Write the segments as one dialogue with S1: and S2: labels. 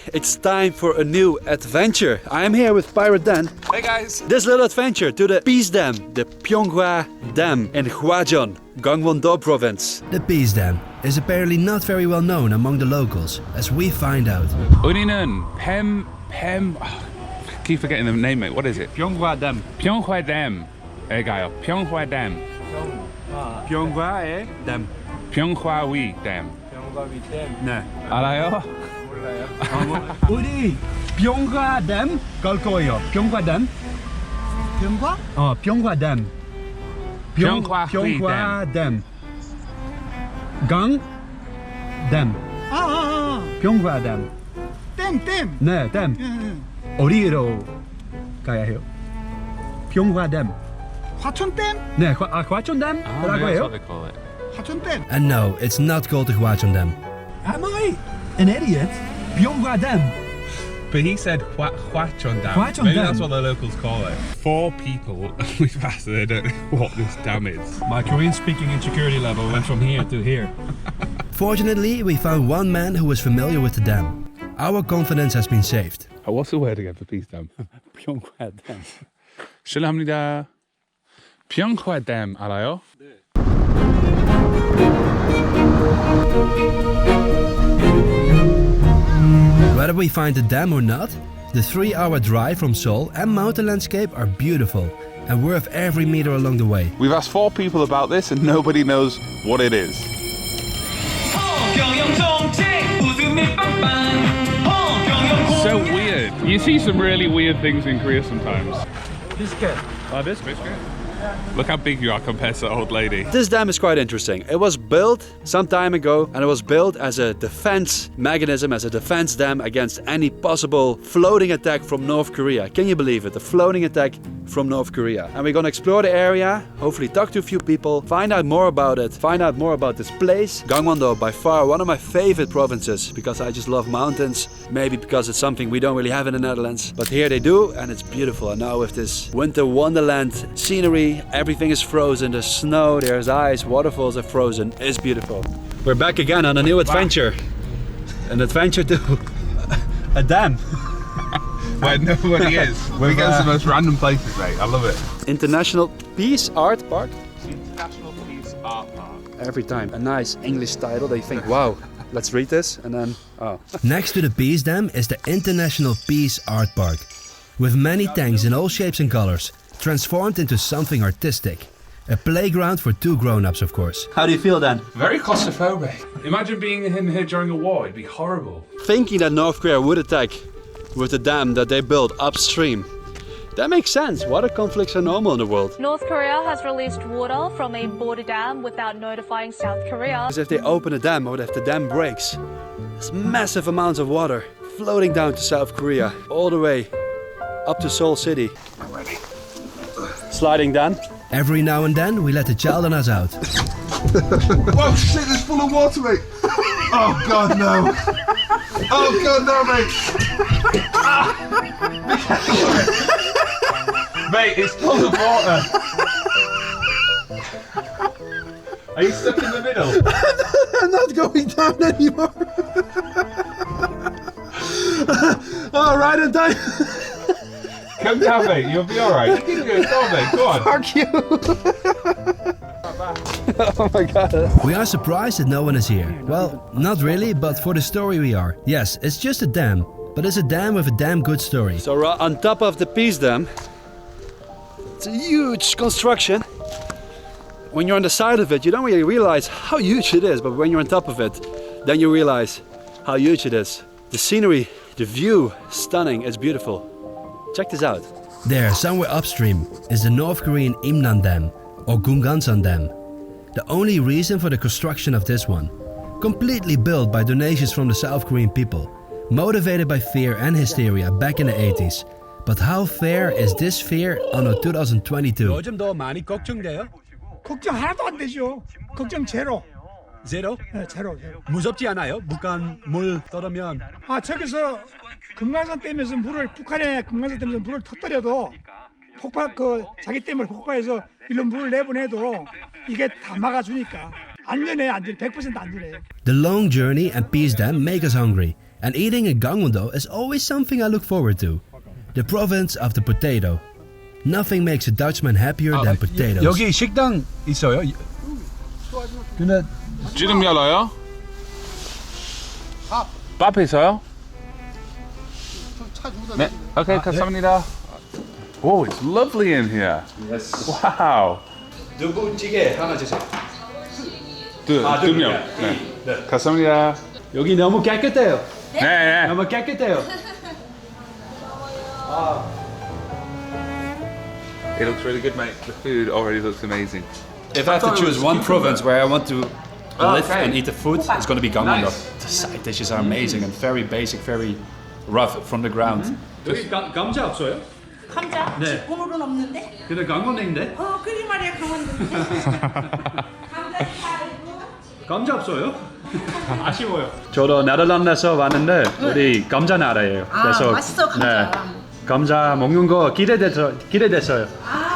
S1: it's time for a new adventure. I am here with Pirate Dan.
S2: Hey guys!
S1: This little adventure to the Peace Dam, the Pyeonghwa Dam in Hwajeon, Gangwon-do province.
S3: The Peace Dam is apparently not very well known among the locals, as we find out.
S2: 우리는 keep forgetting the name, mate. What is it?
S1: Pyeonghwa Dam.
S2: Pyeonghwa Dam에 가요. Pyeonghwa Dam.
S1: Pyeonghwa의 Dam.
S2: Pyeonghwa Dam.
S1: 네.
S2: 알아요?
S1: 우리 Pyeonghwa Dam 갈 거예요. Pyeonghwa Dam.
S4: 병과?
S1: Pyeonghwa Dam.
S2: Pyeonghwa
S1: Dam. 강 Dam. Pyeonghwa Dam.
S4: 댐.
S1: 네, 댐. 어디로 가야 해요? Pyeonghwa Dam.
S4: 화천댐?
S1: 네, 화천 Dam.
S2: That's what they call it.
S4: 화천댐.
S3: And no, it's not called the Hwajeon Dam.
S1: Am I an idiot? Pyeonghwa Dam.
S2: But he said Hwacheon Dam.
S1: Hwacheon
S2: Maybe
S1: Dam.
S2: that's what the locals call it. 4 people we've asked, they don't know what this dam is.
S1: My Korean speaking insecurity level went from here to here.
S3: Fortunately, we found one man who was familiar with the dam. Our confidence has been saved.
S2: Oh, what's the word again for Peace Dam?
S1: Pyeonghwa Dam.
S2: 실례합니다. Pyeonghwa Dam 알아요?
S3: Whether we find the dam or not, the 3-hour drive from Seoul and mountain landscape are beautiful and worth every meter along the way.
S2: We've asked 4 people about this and nobody knows what it is. So weird. You see some really weird things in Korea sometimes.
S1: Biscuit.
S2: Oh, this biscuit? Look how big you are compared to the old lady.
S1: This dam is quite interesting. It was built some time ago and it was built as a defense mechanism, as a defense dam against any possible floating attack from North Korea. Can you believe it? A floating attack from North Korea. And we're gonna explore the area, hopefully talk to a few people, find out more about it, find out more about this place. Gangwon-do, by far one of my favorite provinces because I just love mountains. Maybe because it's something we don't really have in the Netherlands. But here they do and it's beautiful. And now with this winter wonderland scenery, everything is frozen, there's snow, there's ice, waterfalls are frozen, it's beautiful. We're back again on a new adventure. An adventure to a dam.
S2: Where nobody is. We get to the most random places, mate. I love it.
S1: International Peace Art Park.
S2: International Peace Art Park.
S1: Every time a nice English title, they think, wow, let's read this, and then, oh.
S3: Next to the Peace Dam is the International Peace Art Park, with many tanks in all shapes and colors, transformed into something artistic. A playground for 2 grown-ups, of course.
S1: How do you feel then?
S2: Very claustrophobic. Imagine being in here during a war, it'd be horrible.
S1: Thinking that North Korea would attack with the dam that they built upstream. That makes sense. Water conflicts are normal in the world.
S5: North Korea has released water from a border dam without notifying South Korea.
S1: Because if they open a dam or if the dam breaks, there's massive amounts of water floating down to South Korea, all the way up to Seoul City.
S2: I'm ready.
S1: Sliding down.
S3: Every now and then, we let the child on us out.
S6: Whoa, shit, it's full of water, mate. Oh, God, no. Oh, God, no, mate.
S2: Mate, it's full of water. Are you stuck in the middle?
S6: I'm not going down anymore. Oh, right in time.
S2: Come down, mate. You'll be alright. You can do it. Go on, mate. Go on.
S6: Fuck you.
S1: Oh my god.
S3: We are surprised that no one is here. Well, not really, but for the story we are. Yes, it's just a dam, but it's a dam with a damn good story.
S1: So we're on top of the Peace Dam. It's a huge construction. When you're on the side of it, you don't really realize how huge it is, but when you're on top of it, then you realize how huge it is. The scenery, the view, stunning, it's beautiful. Check this out.
S3: There, somewhere upstream, is the North Korean Imnan Dam, or Gungansan Dam. The only reason for the construction of this one. Completely built by donations from the South Korean people, motivated by fear and hysteria back in the 80s. But how fair is this fear anno 2022?
S1: 요즘 더 많이 걱정돼요?
S4: 걱정 하나도 안 되죠. 걱정 제로.
S1: 제로?
S4: 네, 제로.
S1: 무섭지 않아요? 북한 물 떠르면.
S4: 저기서 금강산 댐에서 북한의 금강산 댐에서 물을 터뜨려도 자기 댐을 폭파해서 일로 물을 내보내도 이게 다 막아주니까 안전해, 100% 안전해.
S3: The long journey and Peace Dam make us hungry. And eating in Gangwon-do is always something I look forward to. The province of the potato. Nothing makes a Dutchman happier than potatoes.
S1: 여기 식당 있어요? 근데
S2: 지금 열어요? 밥 있어요? 네. Okay, 감사합니다. Oh, it's lovely in here.
S1: Yes.
S2: Wow.
S1: 두부찌개 하나 주세요.
S2: 두 명. 네. 감사합니다.
S1: 여기 너무 깨끗해요.
S2: 네.
S1: 너무 깨끗해요.
S2: It looks really good, mate. The food already looks amazing.
S1: If I have to choose one province where I want to live
S2: okay.
S1: and eat the food, it's going to be Gangwon-do.
S2: Nice.
S1: The side dishes are amazing and very basic, very rough from the ground. 여기 감자 없어요?
S7: 감자?
S1: 네.
S7: 오늘은 없는데?
S1: 근데 강원도인데?
S7: 그리 말이야 강원도인데. 감자 팔고.
S1: 감자 없어요? 아쉬워요. 저도 네덜란드에서 왔는데 우리 감자 나라예요.
S7: 아, 맛있어, 감자.
S1: 감자 먹는 거 기대됐어요.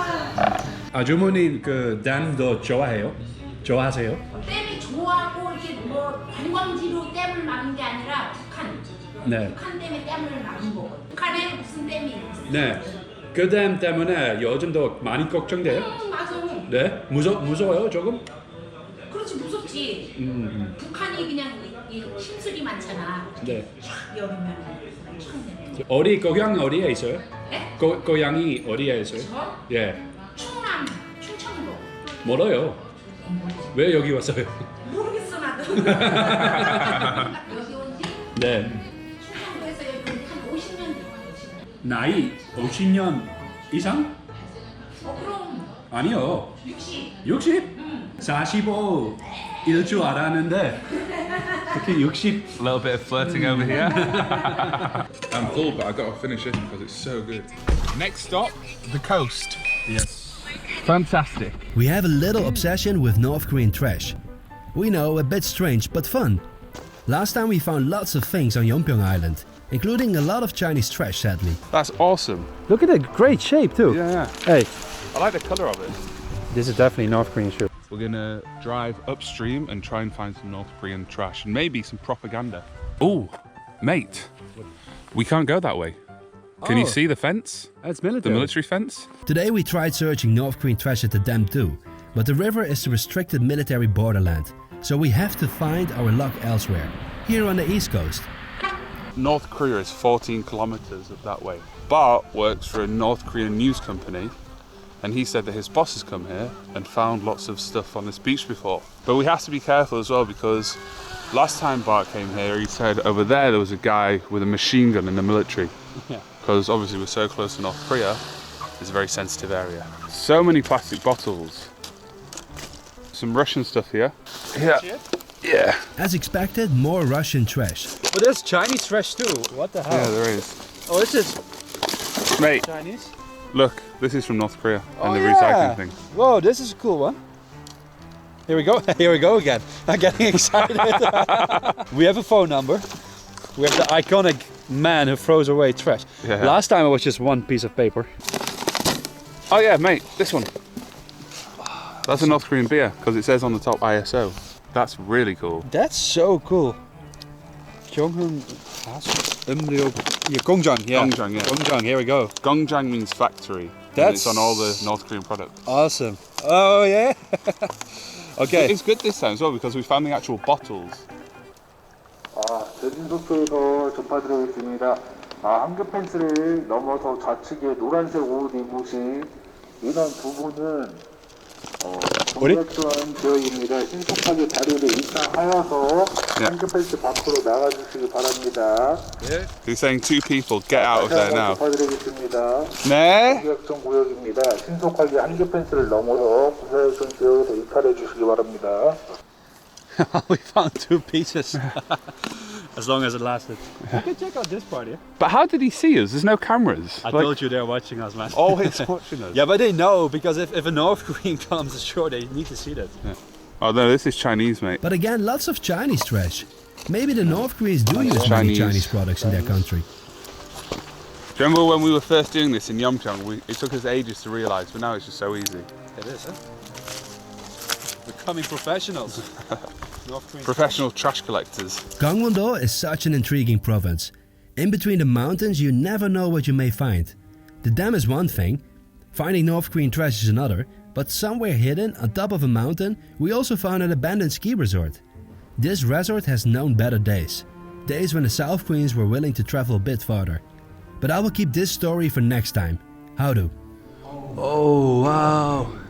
S1: 아주머니 그 댐도 좋아해요? 좋아하세요?
S8: 댐이 좋아하고 이렇게 뭐 관광지로 댐을 막은 게 아니라 북한.
S1: 네.
S8: 북한 댐에 댐을 막은 거거든. 북한에 무슨 댐이 있어?
S1: 네. 그 댐 때문에 요즘도 많이 걱정돼요?
S8: 맞아.
S1: 네. 무서워요 조금?
S8: 그렇지 무섭지. 북한이 그냥 이 힘술이 많잖아.
S1: 네.
S8: 촥 열으면 촥
S1: 어디 고향 어디에 있어요?
S8: 네?
S1: 고향이 어디에 있어요?
S8: 저?
S1: 예.
S8: 충남, 충청도.
S1: 멀어요. 왜 여기 왔어요?
S8: 모르겠어 나도. 여기 온지
S1: 네.
S8: 충청도에서 여기 한 50년 됐어.
S1: 나이 50년 이상?
S8: 그럼
S1: 아니요.
S8: 60.
S1: 60? 45일 줄 알았는데 특히 60.
S2: A little bit of flirting over here.
S6: I'm full, but I got to finish it because it's so good.
S2: Next stop, the coast. Yes. Fantastic.
S3: We have a little obsession with North Korean trash. We know, a bit strange, but fun. Last time we found lots of things on Yeonpyeong Island, including a lot of Chinese trash, sadly.
S2: That's awesome.
S1: Look at the great shape too.
S2: Yeah.
S1: Hey,
S2: I like the colour of it.
S1: this is definitely North Korean shoe.
S2: We're gonna drive upstream and try and find some North Korean trash and maybe some propaganda. Oh, mate, we can't go that way. Can you
S1: Oh.
S2: see the fence?
S1: That's
S2: The
S1: military.
S2: military fence?
S3: Today we tried searching North Korean trash at the dam too, but the river is the restricted military borderland, so we have to find our luck elsewhere, here on the east coast.
S2: North Korea is 14 kilometers up that way. Bart works for a North Korean news company, and he said that his boss has come here and found lots of stuff on this beach before. But we have to be careful as well, because last time Bart came here, he said over there was a guy with a machine gun in the military.
S1: Yeah.
S2: Because obviously we're so close to North Korea, it's a very sensitive area. So many plastic bottles. Some Russian stuff here. Yeah.
S3: As expected, more Russian trash.
S1: But there's Chinese trash too. What the hell?
S2: Yeah, there is.
S1: Oh, this is
S2: Mate,
S1: Chinese.
S2: look, this is from North Korea and the
S1: yeah.
S2: recycling thing.
S1: Whoa, this is a cool one. Here we go. Here we go again. I'm getting excited. We have a phone number. We have the iconic man who throws away trash.
S2: Yeah.
S1: Last time it was just one piece of paper.
S2: Oh yeah, mate, this one. That's a North Korean beer because it says on the top ISO. That's really cool.
S1: That's so cool. Gyeonghun Umryok. Yeah, Gongjang. Yeah.
S2: Gongjang, yeah.
S1: Gongjang. Here we go.
S2: Gongjang means factory. And
S1: That's-
S2: it's on all the North Korean products.
S1: Awesome. Oh yeah. Okay.
S2: It's good this time as well because we found the actual bottles.
S9: 대진소표에서 전파드리겠습니다. 한겹 펜스를 넘어서 좌측에 노란색 옷 입으신 인원 두 분은 동작전 지역입니다. 신속하게 자리를 이탈하여서 한겹 펜스 밖으로 나가주시기 바랍니다.
S2: He's saying two people get out of there now.
S9: 전파드리겠습니다.
S2: 네.
S9: 동작전 구역입니다. 신속하게 한겹 펜스를 넘어서 군사역전 지역으로 이탈해 주시기 바랍니다.
S1: We found two pieces. As long as it lasted. You can check out this part here.
S2: But how did he see us? There's no cameras.
S1: I told you they're watching us, man.
S2: Always watching us.
S1: Yeah, but they know because if a North Korean comes ashore, they need to see that.
S2: Oh no, this is Chinese, mate.
S3: But again, lots of Chinese trash. Maybe the North Koreans do use many
S2: Chinese.
S3: Chinese products in their country.
S2: Do you remember when we were first doing this in Yeonpyeong? It took us ages to realise, but now it's just so easy.
S1: It is, huh? Becoming professionals.
S2: Professional trash collectors.
S3: Gangwon-do is such an intriguing province. In between the mountains, you never know what you may find. The dam is one thing, finding North Korean trash is another, but somewhere hidden on top of a mountain, we also found an abandoned ski resort. This resort has known better days. Days when the South Koreans were willing to travel a bit farther. But I will keep this story for next time. Howdo.
S1: Oh, wow.